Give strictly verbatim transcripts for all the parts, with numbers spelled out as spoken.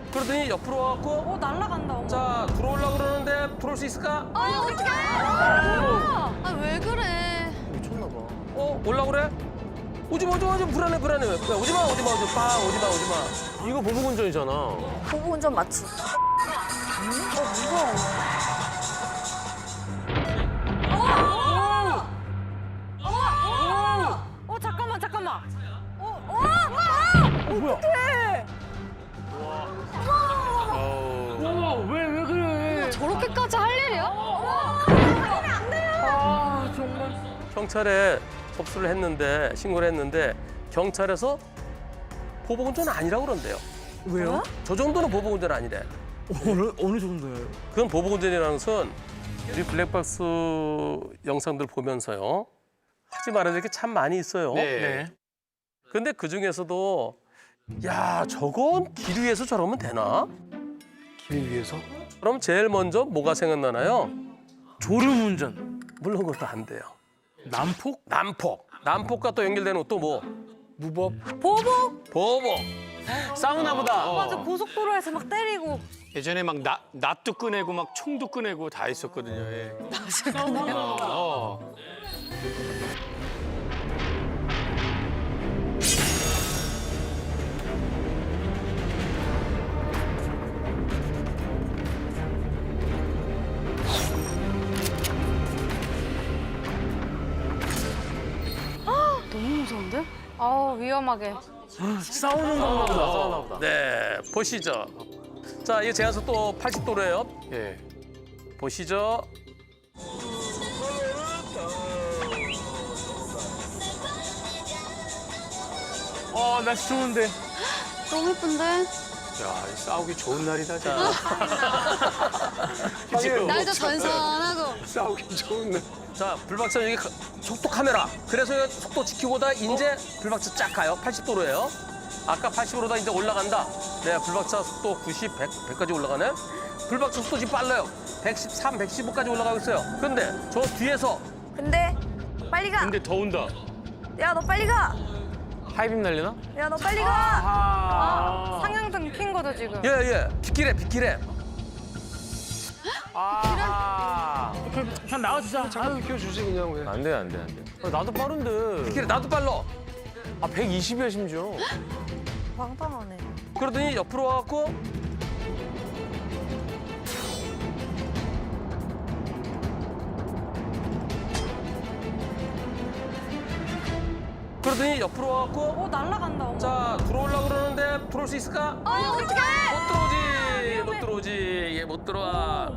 그러더니 옆으로 와갖고 어 날라간다. 어머. 자 들어오려고 그러는데 들어올 수 있을까? 아니 어떡해? 아 왜 그래? 미쳤나 봐. 어 올라고 그래? 오지마 오지마 오지마 불안해 불안해. 야, 오지마 오지마 오지마 빵 오지마 오지마. 이거 보복 운전이잖아. 보복 운전 맞지? 어 무서워. 어 잠깐만 잠깐만. 어, 어, 어, 어, 뭐야? 어떡해? 와, 왜, 왜 그래? 저렇게까지 할 일이야? 아, 정말. 경찰에 접수를 했는데 신고를 했는데 경찰에서 보복 운전 아니라고 그런대요. 왜요? 저 정도는 보복 운전 아니래. 어느, 어느 정도예요? 그건 보복 운전이라는 것은 우리 블랙박스 영상들 보면서요. 하지 말아야 될 게 참 많이 있어요. 네. 근데 그 중에서도 야 저건 길 위에서 저러면 되나? 길 위에서? 그럼 제일 먼저 뭐가 생각나나요? 졸음 운전. 물론 그것도 안 돼요. 난폭? 난폭. 난폭과 또 연결되는 또 뭐? 무법? 보복? 보복. 싸우나 보다. 맞아 고속도로에서 막 때리고. 예전에 막 낫, 낫도 꺼내고 막 총도 꺼내고 다 했었거든요. 예. 어, 어. 너무 무서운데? 아 위험하게. 싸우는 건가 보다. 싸우나 보다. 네, 보시죠. 자, 이게 제한속 또 팔십 도로예요. 예. 보시죠. 아, 날씨 좋은데. 너무 예쁜데? 야, 싸우기 좋은 날이다, 진짜. 날도 전선하고. 싸우기 좋은 날. 자, 불박차 여기 가- 속도 카메라. 그래서 속도 지키고다 이제 불박차 쫙 가요. 팔십 도로예요. 아까 팔십으로다 이제 올라간다. 네, 불박차 속도 구십, 백, 백까지 올라가네. 불박차 속도 지금 빨라요. 백십삼, 백십오까지 올라가고 있어요. 근데 저 뒤에서 근데 빨리 가. 근데 더운다. 야 너 빨리 가. 하이빔 날리나? 야 너 빨리 가. 아. 상향등 킨 거죠 지금? 예, 예. 빗길에, 빗길에. 아. 그냥 나와주자. 아유, 비켜주지, 그냥 왜. 안 돼, 안 돼, 안 돼. 아, 나도 빠른데. 빗길에 나도 빨라. 아, 백이십이야, 심지어. 황당하네. 그러더니 옆으로 와갖고 그러더니 옆으로 와갖고 어 날라간다. 어머. 자 들어오려고 그러는데 들어올 수 있을까? 아니 어떡해? 못 들어오지 못 들어오지 얘 못 들어와.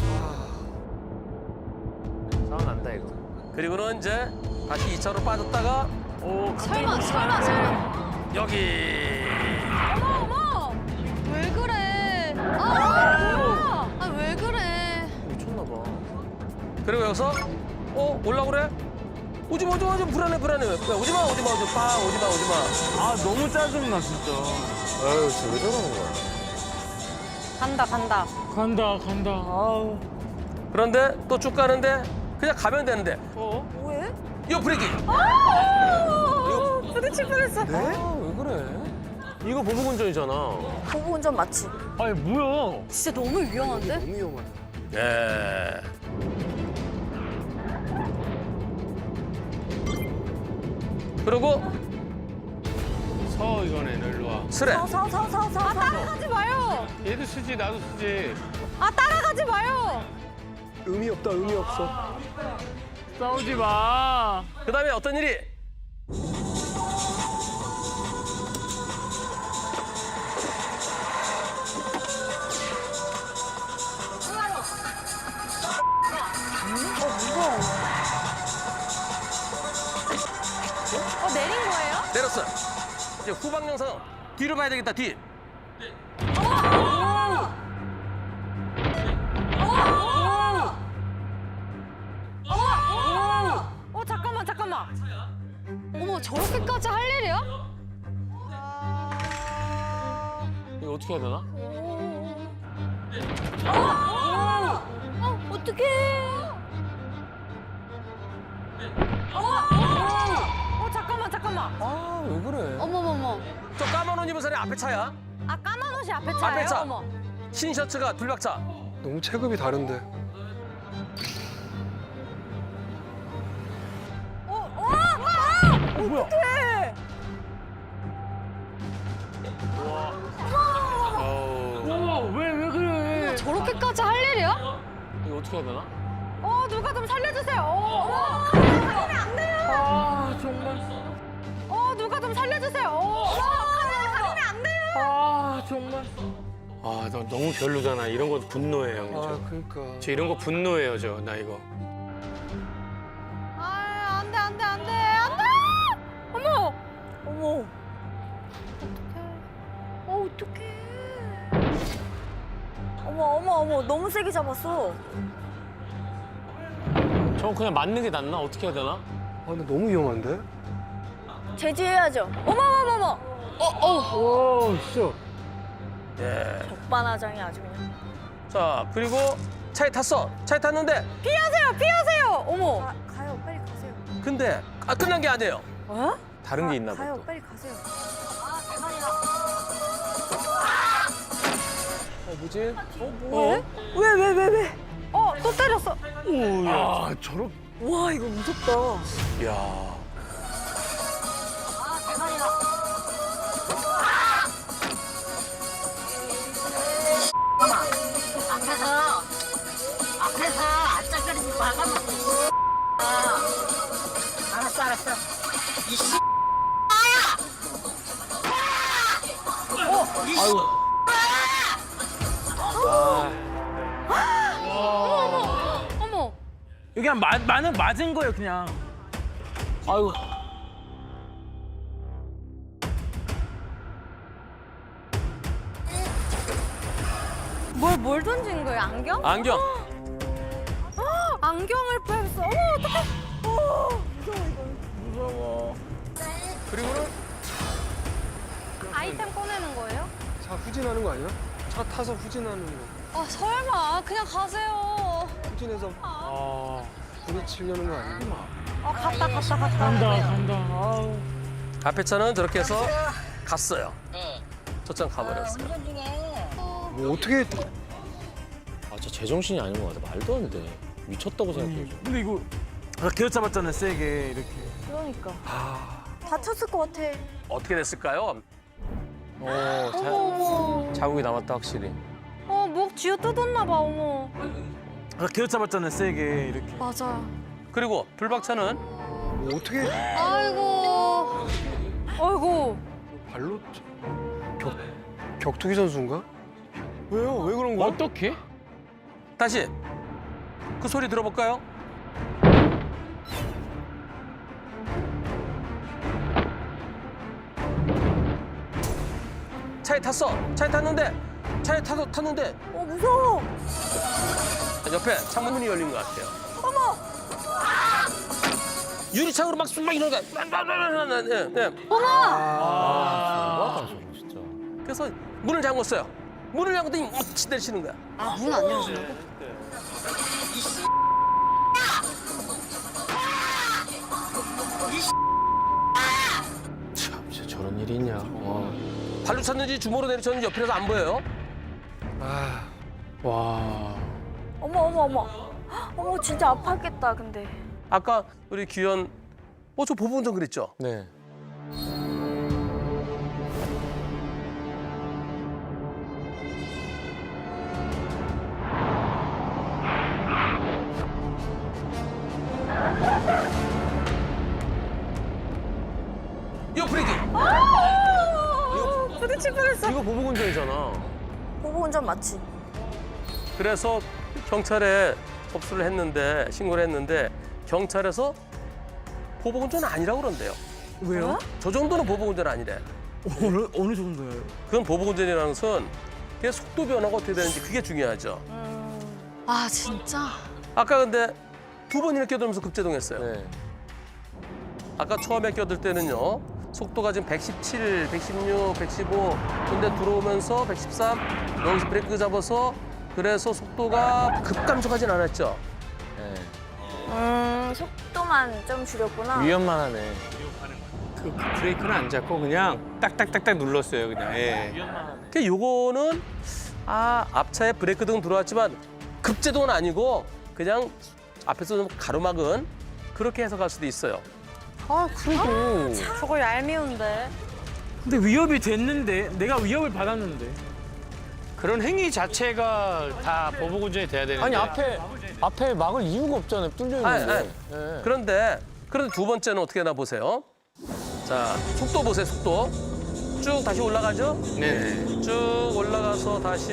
싸움 난다, 이거. 그리고는 이제 다시 이 차로 빠졌다가 오, 설마 설마 설마. 여기 어머 어머. 왜 그래? 아, 아 왜 그래? 미쳤나 봐. 그리고 여기서 어 올라고 그래? 오지마 오지마 오지마 불안해 불안해. 야, 오지마 오지마 오지마 빵 오지마 오지마. 아, 너무 짜증나, 진짜. 아유, 진짜 왜 저러는 거야? 간다 간다. 간다, 간다. 아우. 그런데 또 쭉 가는데 그냥 가면 되는데 어? 뭐해? 이거 브레이크. 아, 부딪힐 뻔했어. 아, 왜 그래? 이거 보복 운전이잖아. 보복 운전 맞지? 아니, 뭐야? 진짜 너무 위험한데? 너무 위험하다. 예. 그리고 서, 이거네, 너 일로 와. 스레. 서서서서서. 아 따라가지 마요. 얘도 쓰지, 나도 쓰지. 아 따라가지 마요. 의미 없다, 의미 없어. 싸우지 마. 그다음에 어떤 일이? 어 무서워. 어 내린 거예요? 내렸어요. 이제 후방 영상 뒤로 봐야 되겠다. 뒤. 어 잠깐만 잠깐만. 어머 저렇게까지 할 일이야? 이거 어떻게 해야 되나? 어 어떡해? 어 잠깐만 잠깐만. 아, 왜 그래? 어머머머. 저 까만 옷 입은 사람이 앞에 차야. 아 까만 옷 이것이 앞에 차예요? 앞에 차. 어머. 흰 셔츠가 불박차. 너무 체급이 다른데. 왜 왜 그래? 저렇게까지 할 일이야? 이거 어떻게 해야 되나? 어, 누가 좀 살려주세요. 어, 어머. 가면 안 돼요. 아 정말. 어, 누가 좀 살려주세요. 어, 어머. 가면 안 돼요. 아 정말. 아, 너 너무 별로잖아. 이런 거 분노해요, 형님. 아, 저. 그러니까. 저 이런 거 분노해요, 저. 나 이거. 아, 안 돼, 안 돼, 안 돼, 안 돼. 어머. 어머. 어, 어떡해. 어머, 어머, 어머. 너무 세게 잡았어. 저 그냥 맞는 게 낫나? 어떻게 해야 되나? 아, 근데 너무 위험한데? 제지해야죠. 어머, 어머, 어머. 오, 진짜. 예. 적반하장이 아주 그냥. 자, 그리고 차에 탔어. 차에 탔는데 피하세요, 피하세요. 어머. 가, 가요, 빨리 가세요. 근데 아, 끝난 게 아니에요. 어? 다른 게 있나 봐. 가요, 빨리 가세요. 어, 뭐지? 뭐해? 왜, 왜, 왜, 왜? 어, 또 때렸어. 아, 저렇게. 와, 이거 무섭다. 야. 앞에서 앞에서 아짝거리지 말라고. 알았어 알았어. 이씨. 어머. 여기 그냥 맞, 맞은, 맞은 거예요, 그냥. 아유. 뭘, 뭘 던진 거예요? 안경? 안경. 안경을 뺐어. 어머, 어떡해. 그리고는 아이템 꺼내는 거예요? 차 후진하는 거 아니야? 차 타서 후진하는 거. 아, 설마. 그냥 가세요. 후진해서 아. 부딪히려는 거 아니야? 어, 갔다, 갔다, 갔다. 간다, 간다. 아우. 앞에 차는 저렇게 해서 갔어요. 저장 가버렸어요. 운전 중에 뭐 어떻게 아, 저 제정신이 아닌 것 같아. 말도 안 돼. 미쳤다고 생각해요. 저. 근데 이거 아까 기어 잡았잖아요, 세게 이렇게. 그러니까. 다쳤을 것 같아. 어떻게 됐을까요? 어, 자, 어머, 자국이 남았다 확실히. 어, 목 쥐어 뜯었나 봐, 어머. 아까 기어 잡았잖아요, 세게 이렇게. 맞아. 그리고 불박차는 뭐 어떻게 아이고. 아이고. 발로 차- 격 격투기 선수인가? 왜요? 왜 그런 거야? 어떻게? 다시 그 소리 들어볼까요? 차에 탔어. 차에 탔는데 차에 타, 탔는데 어, 무서워. 옆에 창문이 열린 것 같아요. 어머! 유리창으로 막 막 이러는 거야. 네, 네. 아, 저거 진짜. 그래서 문을 잠궜어요. 문을 잠궜더니 막 치대시는 거야. 아, 문 안 열어준다고? 참, 진짜 저런 일이 있냐. 와. 발로 찼는지 주먹으로 내리쳤는지 옆에서 안 보여요. 아, 와. 어머, 어머, 어머. 어머, 진짜 아팠겠다, 근데. 아까 우리 규현 어 저 보부운전 그랬죠? 네. 이거 브레이크. 부딪힐 뻔했어. 이거 보복운전이잖아. 보복 운전 맞지? 그래서 경찰에 접수를 했는데 신고를 했는데 경찰에서 보복운전은 아니라고 그런대요. 왜요? 저 정도는 보복운전 아니래. 어느, 어느 정도예요? 그건 보복운전이라는 것은 그게 속도 변화가 어떻게 되는지 그게 중요하죠. 아, 진짜? 아까 근데 두 번이나 껴들면서 급제동했어요. 네. 아까 처음에 껴들 때는요. 속도가 지금 백십칠, 백십육, 백십오 근데 들어오면서 백십삼 여기서 브레이크 잡아서 그래서 속도가 급감속하진 않았죠. 네. 음, 속도만 좀 줄였구나. 위험만 하네. 그 브레이크는 안 잡고 그냥 딱딱딱딱 눌렀어요 그냥. 예. 그 요거는 아 앞차에 브레이크 등 들어왔지만 급제동은 아니고 그냥 앞에서 좀 가로막은 그렇게 해석할 수도 있어요. 아 그래도 저거 얄미운데. 근데 위협이 됐는데 내가 위협을 받았는데. 그런 행위 자체가 다 보복 운전이 돼야 되는데. 아니 앞에 앞에 막을 이유가 없잖아요. 뚫려 아니, 있는데. 아니. 예. 그런데 그런데 두 번째는 어떻게 하나 보세요. 자 속도 보세요 속도. 쭉 다시 올라가죠. 네네. 쭉 올라가서 다시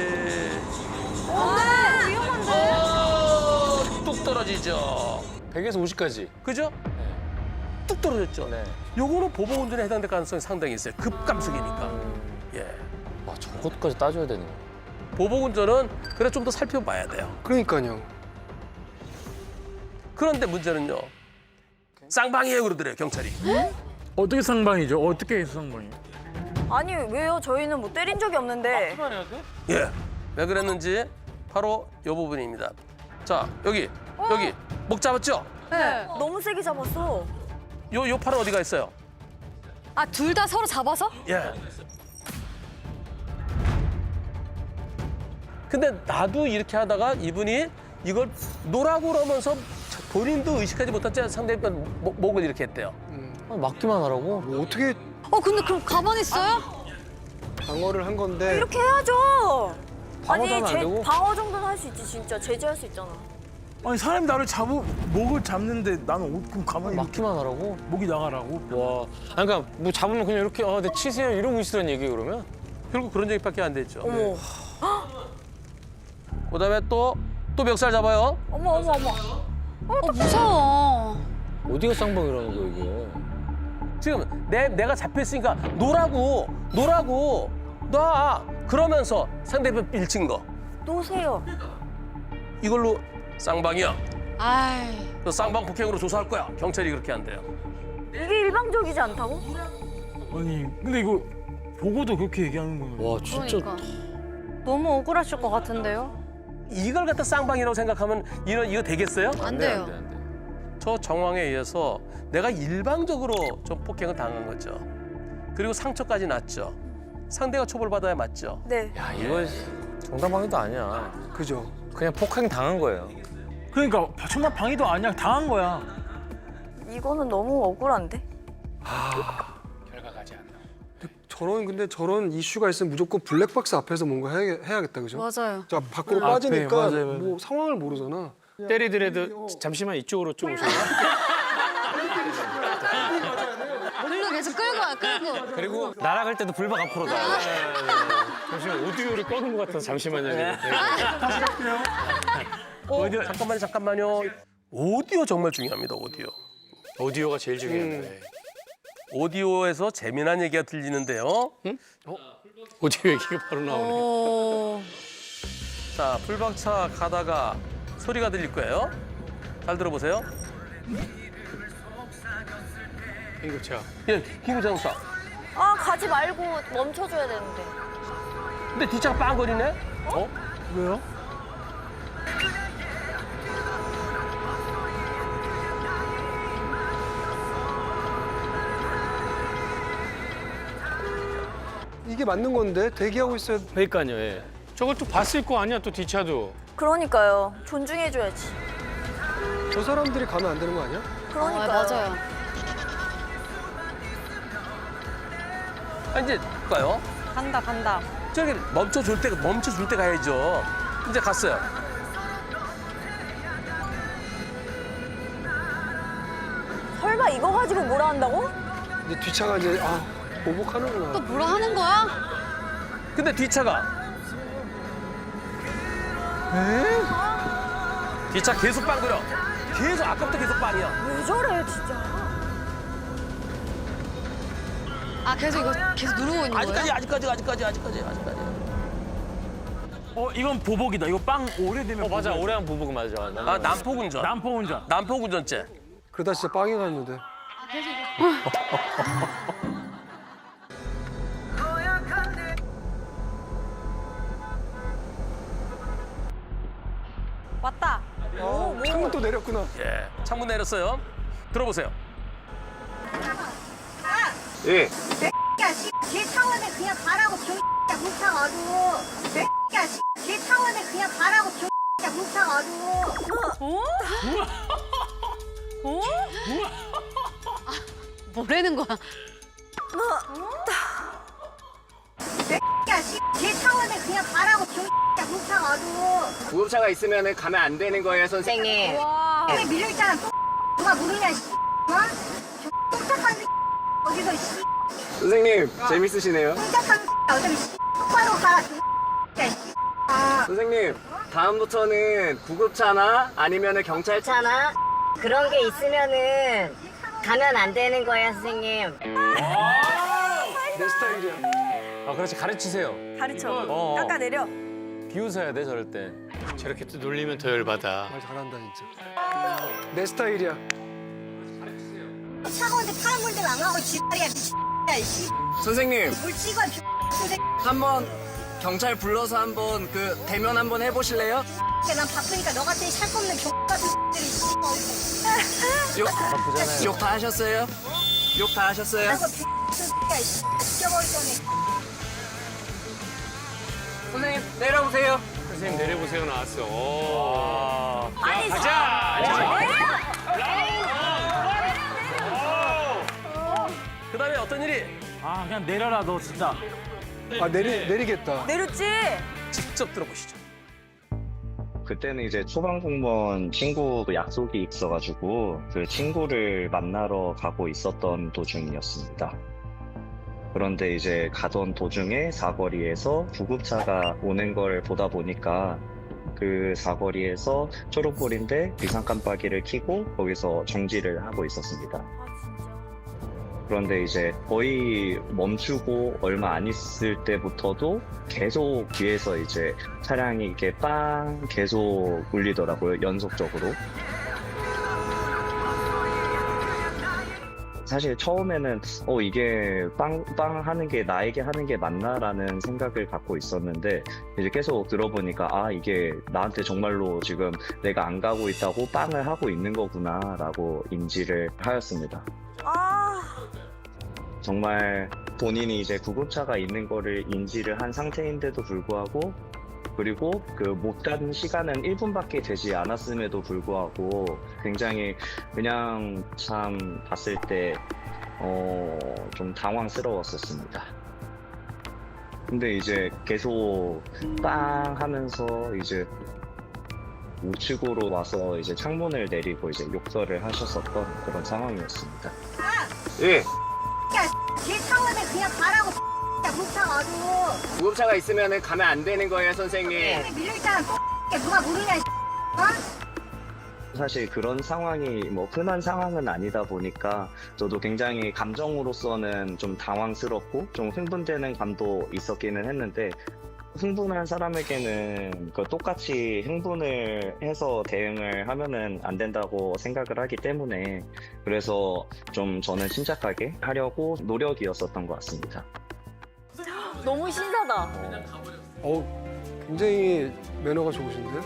아, 위험한데. 어, 뚝 떨어지죠. 백에서 오십까지. 그죠? 뚝 떨어졌죠. 네. 요거는 보복 운전에 해당될 가능성이 상당히 있어요. 급감속이니까. 예. 와 저것까지 따져야 되는 거. 보복 운전은 그래 좀 더 살펴봐야 돼요. 그러니까요. 그런데 문제는요. 쌍방이에요 그러더래요 경찰이. 어떻게 상방이죠? 어떻게 해서 상방이에요? 아니 왜요? 저희는 뭐 때린 적이 없는데. 예. 왜 그랬는지 바로 이 부분입니다. 자 여기 여기 목 잡았죠? 네. 너무 세게 잡았어. 요 요 팔은 어디가 있어요? 아, 둘 다 서로 잡아서? 예. 근데 나도 이렇게 하다가 이분이 이걸 노라고 그러면서 본인도 의식하지 못한 채 상대편 목- 목을 이렇게 했대요. 아, 막기만 하라고? 뭐 어떻게 어, 근데 그럼 가만히 있어요? 방어를 한 건데 이렇게 해야죠. 아니 방어도 하면 안 제 되고? 방어 정도는 할 수 있지 진짜 제재할 수 있잖아. 아니 사람이 나를 잡으 목을 잡는데 나는 어, 그럼 가만히 이렇게 막기만 하라고? 목이 나가라고? 와. 아니, 그러니까 뭐 잡으면 그냥 이렇게 아, 네 치세요 이러고 있으란 얘기 그러면? 결국 그런 얘기밖에 안 됐죠. 어머 그다음에 또 또 멱살 잡아요. 어머 어머 어머. 어, 무서워. 어디가 쌍방이라는 거야 이게? 지금 내 내가 잡혔으니까 노라고 노라고 놔 그러면서 상대편 밀친 거 놓으세요. 이걸로 쌍방이야. 아이. 너 쌍방 폭행으로 조사할 거야. 경찰이 그렇게 한대요. 이게 일방적이지 않다고? 아니 근데 이거 보고도 그렇게 얘기하는 거는. 와 진짜 그러니까. 너무 억울하실 것 같은데요? 이걸 갖다 쌍방이라고 생각하면 이거 이거 되겠어요? 안 돼요. 안 돼, 안 돼. 저 정황에 의해서 내가 일방적으로 좀 폭행을 당한 거죠. 그리고 상처까지 났죠. 상대가 처벌받아야 맞죠. 네. 야 이거 정당방위도 아니야. 그죠. 그냥 폭행 당한 거예요. 그러니까 정말 방위도 아니야 당한 거야. 이거는 너무 억울한데? 결과가 아직 안 나와. 저런 근데 저런 이슈가 있으면 무조건 블랙박스 앞에서 뭔가 해야, 해야겠다 그죠? 맞아요. 자 밖으로 앞에, 빠지니까 맞아요, 맞아요. 뭐 상황을 모르잖아. 때리더라도 잠시만 이쪽으로 좀 오세요. 글로 계속 끌고 와, 끌고. 그리고 날아갈 때도 불박 앞으로 나. 잠시만 오디오를 꺼는 것 같아서 잠시만요. 네. 어, 잠깐만요, 잠깐만요. 오디오 정말 중요합니다, 오디오. 오디오가 제일 중요해요. 네. 오디오에서 재미난 얘기가 들리는데요. 오디오 얘기가 바로 나오네. 오. 자, 풀박차 가다가 소리가 들릴 거예요. 잘 들어보세요. 행급차. 예, 기구자동차. 아 가지 말고 멈춰줘야 되는데. 근데 뒷차가 빵거리네? 어? 왜요? 이게 맞는 건데 대기하고 있어야 그러니까요. 예. 저걸 또 봤을 거 아니야 또 뒷차도. 그러니까요. 존중해줘야지. 저 사람들이 가면 안 되는 거 아니야? 그러니까요. 아, 맞아요. 아, 이제 가요. 간다, 간다. 저기 멈춰줄 때, 멈춰줄 때 가야죠. 이제 갔어요. 설마 이거 가지고 뭐라 한다고? 이제 뒷차가 이제 아 보복하는구나. 또 뭐라 하는 거야? 근데 뒷차가. 에? 뒷차 계속 빵거려. 계속, 아까부터 계속 빵이야. 왜 저래 진짜. 아, 계속 이거 계속 누르고 있는 거예요? 아직까지, 아직까지, 아직까지, 아직까지, 아직까지. 어 이건 보복이다. 이거 빵 오래되면. 어 맞아 보복. 오래한 보복 맞아. 아, 난폭운전. 남포 운전. 난폭운전죄. 그러다 진짜 빵이 갔는데. 왔다. 오, 뭐. 창문 또 내렸구나. 예, 창문 내렸어요. 들어보세요. 예. 야, 씨, 제 차원에 그냥 가라고 병 뭉쳐가지고. 야, 씨, 제 차원에 그냥 가라고 병 뭉쳐가지고. 어? 뭐라는 거야? 야, 씨, 제 차원에 그냥 가라고 병 뭉쳐가지고. 구급차가 있으면 가면 안 되는 거예요, 선생님. 와. 왜 밀려있잖아, 또. 누가 모르냐, 씨. 어? 똥짝한 어디서, 씨. 선생님, 재밌으시네요. 똥짝한 어차피, 씨. 똑바로 가라, 야, 씨. 아. 선생님, 다음부터는 구급차나 아니면 경찰차나 그런 게 있으면은 가면 안 되는 거예요, 선생님. 내 스타일이야. 아 그렇지 가르치세요. 가르쳐. 어. 깎아내려. 비웃어야 돼 저럴 때. 저렇게 또 놀리면 더 열받아. 말 잘한다 진짜. 내 스타일이야. 차가운데 파란 물들 안 가고 지랄이야, 야, 씨. 선생님, 물 찍어, 선생님. 한번 경찰 불러서 한번 그 대면 한번 해보실래요? 난 바쁘니까 너 같은 살 거 없는 경 같은 들이 씨. 욕, 바쁘잖아요. 욕 다 하셨어요? 욕 다 하셨어요? 나서 야, 씨. 죽여버릴 거네. 선생님, 내려오세요. 선생님 내려보세요 나왔어. 오. 아니, 그다음에 어떤 일이? 아 그냥 내려라 너 진짜. 아 내리 내리겠다. 내렸지? 직접 들어보시죠. 그때는 이제 초반 공무원 친구 약속이 있어가지고 그 친구를 만나러 가고 있었던 도중이었습니다. 그런데 이제 가던 도중에 사거리에서 구급차가 오는 걸 보다 보니까 그 사거리에서 초록불인데 비상 깜빡이를 켜고 거기서 정지를 하고 있었습니다. 그런데 이제 거의 멈추고 얼마 안 있을 때부터도 계속 뒤에서 이제 차량이 이렇게 빵 계속 울리더라고요, 연속적으로. 사실 처음에는 어 이게 빵빵 하는 게 나에게 하는 게 맞나라는 생각을 갖고 있었는데 이제 계속 들어보니까 아 이게 나한테 정말로 지금 내가 안 가고 있다고 빵을 하고 있는 거구나라고 인지를 하였습니다. 아. 정말 본인이 이제 구급차가 있는 거를 인지를 한 상태인데도 불구하고 그리고 그 못 간 시간은 일 분밖에 되지 않았음에도 불구하고 굉장히 그냥 참 봤을 때 어, 좀 당황스러웠었습니다. 근데 이제 계속 빵 하면서 이제 우측으로 와서 이제 창문을 내리고 이제 욕설을 하셨었던 그런 상황이었습니다. 예. 야, 제 차원에 그냥 가라고 야, 뭉쳐가지고. 구급차가 있으면 가면 안 되는 거예요, 선생님. 왜 밀려있잖아, 또. 누가 모르냐, 씨. 어? 사실 그런 상황이 뭐 흔한 상황은 아니다 보니까 저도 굉장히 감정으로서는 좀 당황스럽고 좀 흥분되는 감도 있었기는 했는데 흥분한 사람에게는 그 똑같이 흥분을 해서 대응을 하면은 안 된다고 생각을 하기 때문에 그래서 좀 저는 침착하게 하려고 노력이었었던 것 같습니다. 너무 신사다. 어 굉장히 매너가 좋으신데?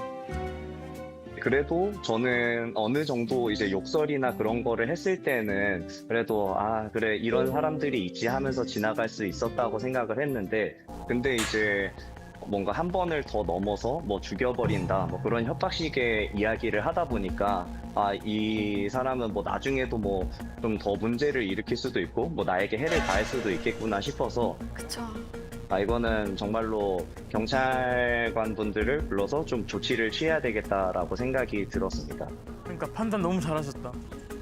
그래도 저는 어느 정도 이제 욕설이나 그런 거를 했을 때는 그래도 아 그래 이런 사람들이 있지 하면서 지나갈 수 있었다고 생각을 했는데 근데 이제 뭔가 한 번을 더 넘어서 뭐 죽여버린다 뭐 그런 협박식의 이야기를 하다 보니까 아 이 사람은 뭐 나중에도 뭐 좀 더 문제를 일으킬 수도 있고 뭐 나에게 해를 가할 수도 있겠구나 싶어서 그쵸. 아 이거는 정말로 경찰관 분들을 불러서 좀 조치를 취해야 되겠다라고 생각이 들었습니다. 그러니까 판단 너무 잘하셨다.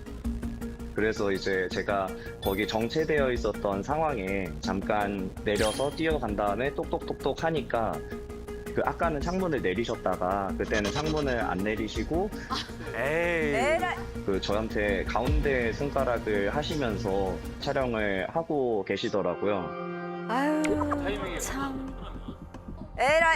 그래서 이제 제가 거기 정체되어 있었던 상황에 잠깐 내려서 뛰어간 다음에 똑똑똑똑 하니까 그 아까는 창문을 내리셨다가 그때는 창문을 안 내리시고 에이. 에라. 그 저한테 가운데 손가락을 하시면서 촬영을 하고 계시더라고요. 아유, 참. 에라.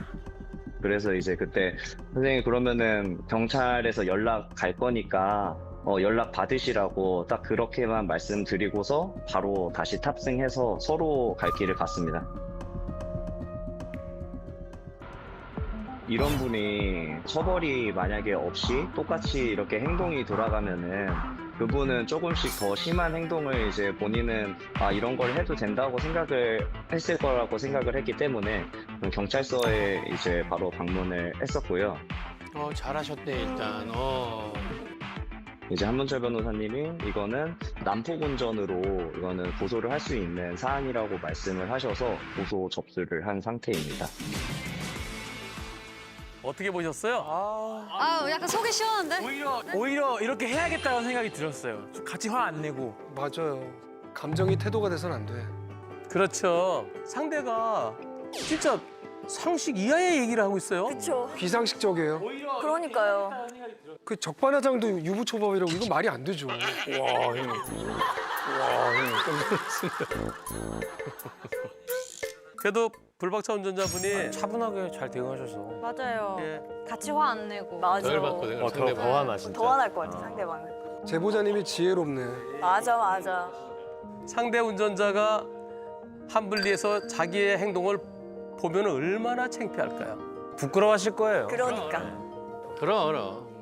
그래서 이제 그때 선생님 그러면은 경찰에서 연락 갈 거니까 어, 연락 받으시라고 딱 그렇게만 말씀드리고서 바로 다시 탑승해서 서로 갈 길을 갔습니다. 이런 분이 처벌이 만약에 없이 똑같이 이렇게 행동이 돌아가면은 그분은 조금씩 더 심한 행동을 이제 본인은 아 이런 걸 해도 된다고 생각을 했을 거라고 생각을 했기 때문에 경찰서에 이제 바로 방문을 했었고요. 어 잘하셨네 일단. 어. 이제 한문철 변호사님이 이거는 난폭 운전으로 이거는 고소를 할 수 있는 사안이라고 말씀을 하셔서 고소 접수를 한 상태입니다. 어떻게 보셨어요? 아 약간 속이 시원한데? 오히려 오히려 이렇게 해야겠다는 생각이 들었어요. 같이 화 안 내고. 맞아요. 감정이 태도가 돼서는 안 돼. 그렇죠. 상대가 진짜 상식 이하의 얘기를 하고 있어요. 그쵸. 비상식적이에요. 그러니까요. 그 적반하장도 유부초밥이라고 이건 말이 안 되죠. 와 형. 와 형. 그래도 불박차 운전자분이 차분하게 잘 대응하셔서. 맞아요. 예, 같이 화 안 내고. 맞아. 덜 받거든. 어, 더, 더 화나 진짜. 더 화날 것 같아, 상대방은. 제보자님이 지혜롭네. 맞아, 맞아. 상대 운전자가 한분리에서 자기의 행동을 보면 얼마나 창피할까요? 부끄러워하실 거예요. 그러니까. 그럼 그럼.